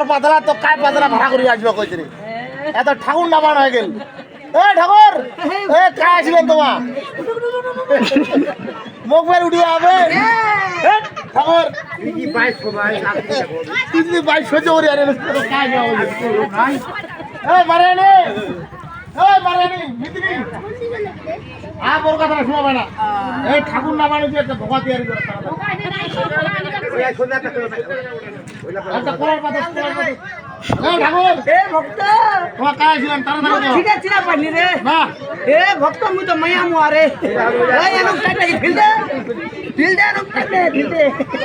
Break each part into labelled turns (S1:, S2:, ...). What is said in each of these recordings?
S1: পাতলা তো কায় পাতলা ভাড়া করে আসবে কইতে রে এত ঠাকুর নামান হয়ে গেল এ ঠাকুর এ কায় আসবেন তোমা মুখ বের উঠিয়ে হবে ঠাকুর কি 2200 ভাই আপনি 2200 জোরে আরে কায় যাও এ মারেনি মিত্রি আ বড় কথা শোনাবে না এই ঠাকুর নামানো যে একটা ভোগা তৈরি করে আচ্ছা কোলার পাতা ঠাকুর
S2: এ ভক্ত
S1: তোমার কাজ ছিলাম তাড়াতাড়ি
S2: ঠিক আছে না পানি রে
S1: না
S2: এ ভক্ত মুই তো মায়া মুয়ারে এই এনক টাইটা ফিলদে এনক টাইটা ফিলদে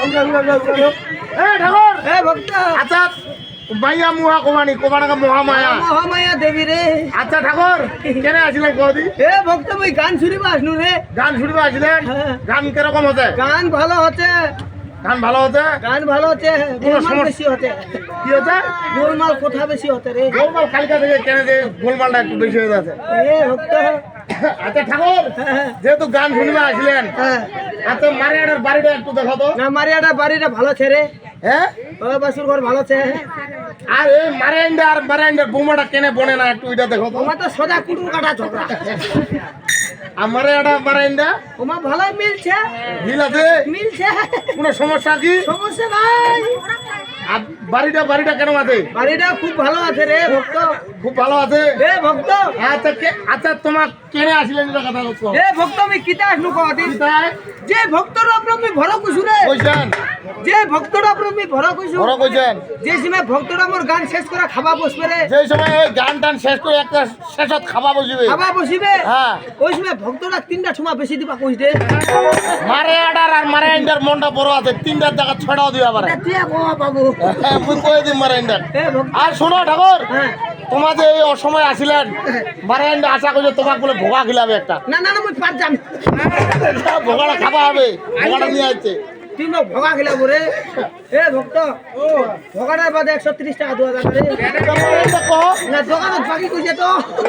S1: এ ঠাকুর
S2: এ ভক্ত
S1: আচ্ছা মাইয়া মুহা কোমানি মহামায়া
S2: মহামায়া দেবী রে
S1: আচ্ছা ঠাকুর কেন আসলেন কদি
S2: এ ভক্ত মুই গান শুনিবা আসনু রে
S1: গান শুনবে আসলেন গান কিরকম হচ্ছে
S2: গান ভালো হচ্ছে
S1: গান ভালো হচ্ছে
S2: গান ভালো হচ্ছে গোলমাল বেশি হচ্ছে
S1: কি হচ্ছে
S2: গোলমাল কোথা বেশি হচ্ছে রে
S1: গোলমাল কালকা থেকে কেন যে গোলমালটা একটু বেশি হয়ে যাচ্ছে
S2: এ ভক্ত
S1: আচ্ছা ঠাকুর যেহেতু গান শুনবে আসলেন
S2: হ্যাঁ
S1: আচ্ছা মারিয়াটার বাড়িটা একটু দেখো তো
S2: না মারিয়াটা বাড়িটা ভালো ছেড়ে
S1: হ্যাঁ
S2: ও বাসুর ঘর ভালো ছে
S1: আর এই মারিয়ান্ডার বোমাটা কেনে বনে না একটু এটা দেখো তো
S2: ওমা তো সোজা কুটুর কাটা ঝগড়া
S1: আর মারিয়ান্ডা
S2: ওমা ভালোই মিলছে
S1: মিল আছে
S2: মিলছে
S1: কোনো সমস্যা কি
S2: সমস্যা নাই
S1: আর বাড়িটা কেন আছে
S2: বাড়িটা খুব ভালো আছে রে ভক্ত
S1: খুব ভালো আছে
S2: এ ভক্ত
S1: আচ্ছা তোমার কেনে আসলেন এটা কথা বলছো
S2: এ ভক্ত আমি কিতা আসনু কদিন
S1: তাই
S2: যে ভক্তর উপর আমি ভর কইছু রে
S1: কইছেন
S2: যে ভক্তর উপর আমি ভর কইছু
S1: বড় কইছেন
S2: যে সময় ভক্তরা আমার গান শেষ করে খাবা বসবে রে
S1: যে সময় এই গান টান শেষ করে একটা শেষত খাওয়া বসবে
S2: খাবা বসিবে
S1: হ্যাঁ
S2: ওই সময় ভক্তরা তিনটা সময় বেশি দিবা কইছ দে
S1: মারিয়াডার আর মারিয়ান্ডার মনটা বড় আছে তিনটার জায়গা ছড়াও দিবা পারে
S2: তুই বাবা বাবু
S1: হ্যাঁ মুই কই দিম মারিয়ান্ডার
S2: এ ভক্ত
S1: আর শোনো ঠাকুর
S2: হ্যাঁ
S1: তোমার যে এই অসময় আসিলেন মারিয়ান্ডা আশা করছে তোমাকে বলে ভোগা খিলাবে একটা
S2: না না না মুই পার যাম
S1: ভোগাটা খাওয়া হবে ভোগাটা নিয়ে আসছে
S2: তুই মোক ভগা খেলা বলে এ ভক্ত ভগাটার বাদে 130 টাকা 2000 রে না দোকানত বাকি কইছে তো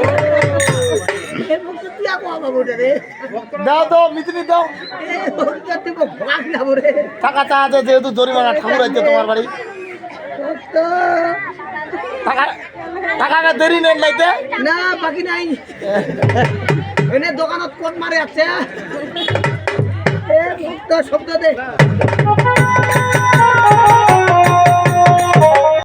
S2: এ ভক্ত তুই আকো বাবু রে
S1: দাও তো মিত্রি দাও
S2: এ ভক্ত তুই মোক ভগা খেলা বলে
S1: টাকা চা আছে যেহেতু জরিমানা ঠাকুর আছে তোমার বাড়ি
S2: ভক্ত
S1: টাকা দেরি নেই লাইতে
S2: না বাকি নাই এনে দোকানত কোন মারে আছে এ ভক্ত শব্দ দে